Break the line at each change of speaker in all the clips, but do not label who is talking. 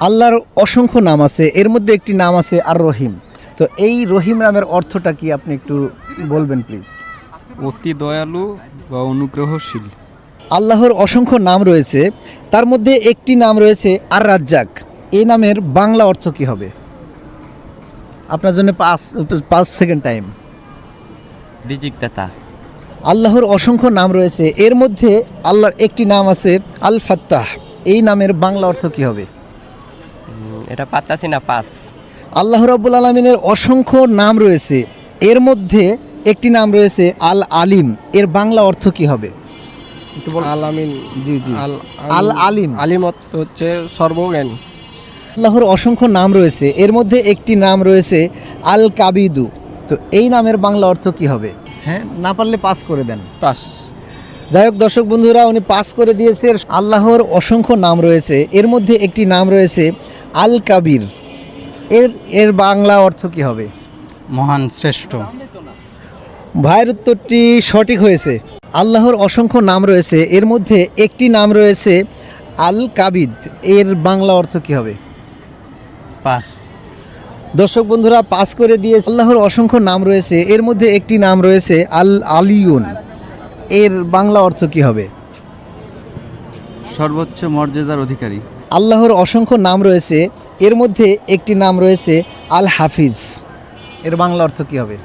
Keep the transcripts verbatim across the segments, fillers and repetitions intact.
আল্লাহর অসংখ্য নাম আছে, এর মধ্যে একটি নাম আছে আর রহিম। তো এই রহিম নামের অর্থটা কি আপনি একটু বলবেন প্লিজ?
অতি দয়ালু বা অনুগ্রহশীল।
আল্লাহর অসংখ্য নাম রয়েছে, তার মধ্যে একটি নাম রয়েছে আর রাজ্জাক। এই নামের বাংলা অর্থ কি হবে? আপনার জন্য পাঁচ পাঁচ সেকেন্ড টাইম।
রিজিকদাতা।
আল্লাহর অসংখ্য নাম রয়েছে, এর মধ্যে আল্লাহর একটি নাম আছে আল ফাত্তাহ। এই নামের বাংলা অর্থ কি হবে?
উম, এটা পাত্তাছি না, পাস।
আল্লাহ রাব্বুল আলামিনের অসংখ্য নাম রয়েছে, এর মধ্যে একটি নাম রয়েছে আল আলিম। এর বাংলা অর্থ কি হবে? একটু বলুন।
আল আমিন।
জি জি
আল
আল আলিম।
আলিমত হচ্ছে সর্বজ্ঞানী।
আল্লাহর অসংখ্য নাম রয়েছে, এর মধ্যে একটি নাম রয়েছে আল কাবিদু। তো এই নামের বাংলা অর্থ কি হবে? হ্যাঁ, না পারলে পাস করে দেন।
পাস।
যাই হোক দর্শক বন্ধুরা, উনি পাস করে দিয়েছে। আল্লাহর অসংখ্য নাম রয়েছে, এর মধ্যে একটি নাম রয়েছে আল কাবির। এর এর বাংলা অর্থ কি হবে?
মহান, শ্রেষ্ঠ।
ভাইয়ের উত্তরটি সঠিক হয়েছে। আল্লাহর অসংখ্য নাম রয়েছে, এর মধ্যে একটি নাম রয়েছে আল কাবিদ। এর বাংলা অর্থ কি হবে?
পাস।
দর্শক বন্ধুরা পাস করে দিয়ে আল্লাহর অসংখ্য নাম রয়েছে, এর মধ্যে একটি নাম রয়েছে আল আলিউন। এর বাংলা অর্থ কি হবে?
সর্বোচ্চ মর্যাদার অধিকারী।
আল্লাহর অসংখ্য নাম রয়েছে, এর মধ্যে একটি নাম রয়েছে আল হাফিজ। এর বাংলা অর্থ কি হবে?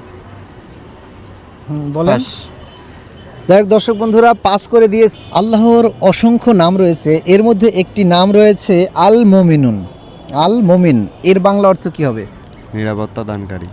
হুম, বলেন। যাই হোক দর্শক বন্ধুরা পাস করে দিয়ে আল্লাহর অসংখ্য নাম রয়েছে, এর মধ্যে একটি নাম রয়েছে আল মুমিনুন। আল মুমিন, এর বাংলা অর্থ কি হবে?
নিরাপত্তা দানকারী।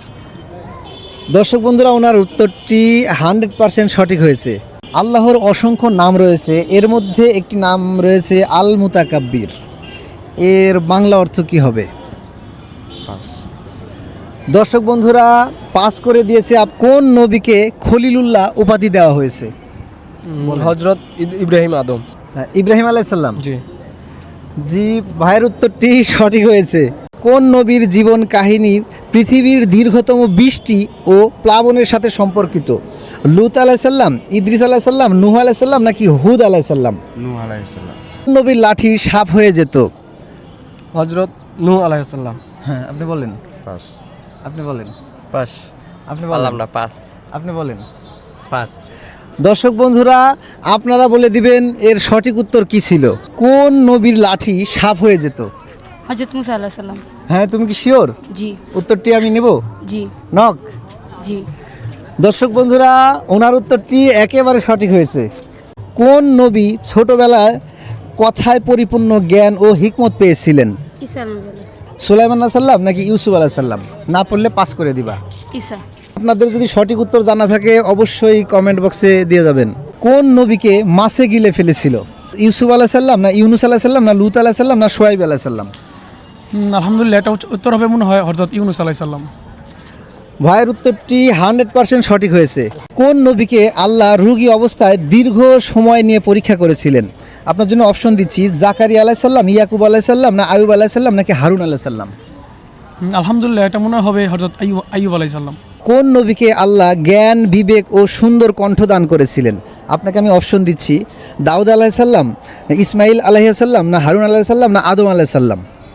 দর্শক বন্ধুরা ওনার উত্তরটি হান্ড্রেড পার্সেন্ট সঠিক হয়েছে। আল্লাহর অসংখ্য নাম রয়েছে, এর মধ্যে একটি নাম রয়েছে আল মুতাকাব্বির। এর বাংলা অর্থ কি হবে?
পাস।
দর্শক বন্ধুরা পাস করে দিয়েছে। আপ কোন নবীকে খলিলুল্লাহ উপাধি দেওয়া হয়েছে?
হজরত ইব্রাহিম আদম।
হ্যাঁ, ইব্রাহিম আলাইসাল্লাম।
জি।
জি, ভাইয়ের উত্তরটি সঠিক হয়েছে। কোন নবীর জীবন কাহিনী পৃথিবীর দীর্ঘতম বৃষ্টি ও প্লাবনের সাথে সম্পর্কিত? লুত আলাইসাল্লাম, ইদ্রিস আলাইসাল্লাম, নূহ আলাইসাল্লাম নাকি হুদ আলাইসাল্লাম?
নূহ আলাইহিস সালাম।
কোন নবীর লাঠি সাপ হয়ে যেত?
হজরত নূহ আলাইহিসসালাম।
হ্যাঁ, আপনি বলেন।
পাস।
আপনি বলেন।
পাস।
আপনি
পারলাম
বলেন।
না, পাস।
আপনি বলেন।
পাস।
দর্শক বন্ধুরা আপনারা বলে দিবেন এর সঠিক উত্তর কি ছিল। কোন নবীর লাঠি সাপ হয়ে যেত?
হযরত মুসা আলাইহিস সালাম।
হ্যাঁ, তুমি কি শিওর?
জি
উত্তরটি আমি নেব।
জি
নক।
জি।
দর্শক বন্ধুরা ওনার উত্তরটি একেবারে সঠিক হয়েছে। কোন নবী ছোটবেলায় কথায় পরিপূর্ণ জ্ঞান ও হিকমত পেয়েছিলেন?
ঈসা আলাইহিস
সুলাইমান আলাইহিস সালাম নাকি ইউসুফ আলাইহিস সালাম? না পড়লে পাস করে দিবা।
ঈসা।
আপনাদের যদি সঠিক উত্তর জানা থাকে অবশ্যই কমেন্ট বক্সে দিয়ে যাবেন। কোন নবীকে মাছে গিলে ফেলেছিল? ইউসুফ আলাইহিস সালাম না ইউনুস আলাইহিস সালাম না লূত আলাইহিস সালাম না শুআয়ব আলাইহিস সালাম?
আলহামদুলিল্লাহ, এটা উত্তর হবে মনে হয় হযরত ইউনুস আলাইহিস সালাম।
ভাইয়ের উত্তরটি হান্ড্রেড পার্সেন্ট সঠিক হয়েছে। কোন নবীকে আল্লাহ রোগী অবস্থায় দীর্ঘ সময় নিয়ে পরীক্ষা করেছিলেন? আপনার জন্য অপশন দিচ্ছি, জাকারিয়া আলাইহিস সালাম, ইয়াকুব আলাইহিস সালাম না আয়ুব আলাইহিস সালাম নাকি হারুন আলাইহিস সালাম?
আলহামদুলিল্লাহ, এটা মনে হবে হযরত আইয়ুব আইয়ুব আলাইহিস সালাম।
কোন নবীকে আল্লাহ জ্ঞান, বিবেক ও সুন্দর কণ্ঠ দান করেছিলেন? আপনাকে আমি অপশন দিচ্ছি, দাউদ আলাইহিস সালাম, ইসমাইল আলাইহিস সালাম না হারুন আলাইহিস সালাম না আদম আলাইহিস সালাম?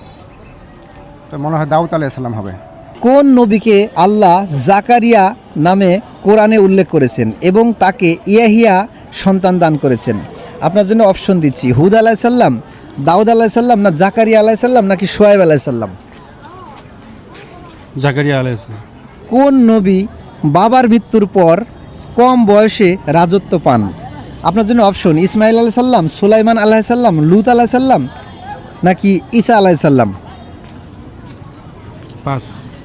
তো মনে হয় দাউদ আলাইহিস সালাম হবে।
কোন নবীকে আল্লাহ জাকারিয়া নামে কোরআনে উল্লেখ করেছেন এবং তাকে ইয়াহিয়া সন্তান দান করেছেন? আপনার জন্য অপশন দিচ্ছি, হুদ আলাইহিস সালাম, দাউদ আলাইহিস সালাম না জাকারিয়া আলাইহিস সালাম নাকি শুআয়ব আলাইহিস সালাম?
জাকারিয়া আলাইহিস সালাম।
কোন নবী বাবার মৃত্যুর পর কম বয়সে রাজত্ব পান? আপনার জন্য অপশন, ইসমাইল আলাইহিস সালাম, সুলাইমান আলাইহিস সালাম, লূত আলাইহিস সালাম নাকি ঈসা আলাইহিস সালাম?
পাস।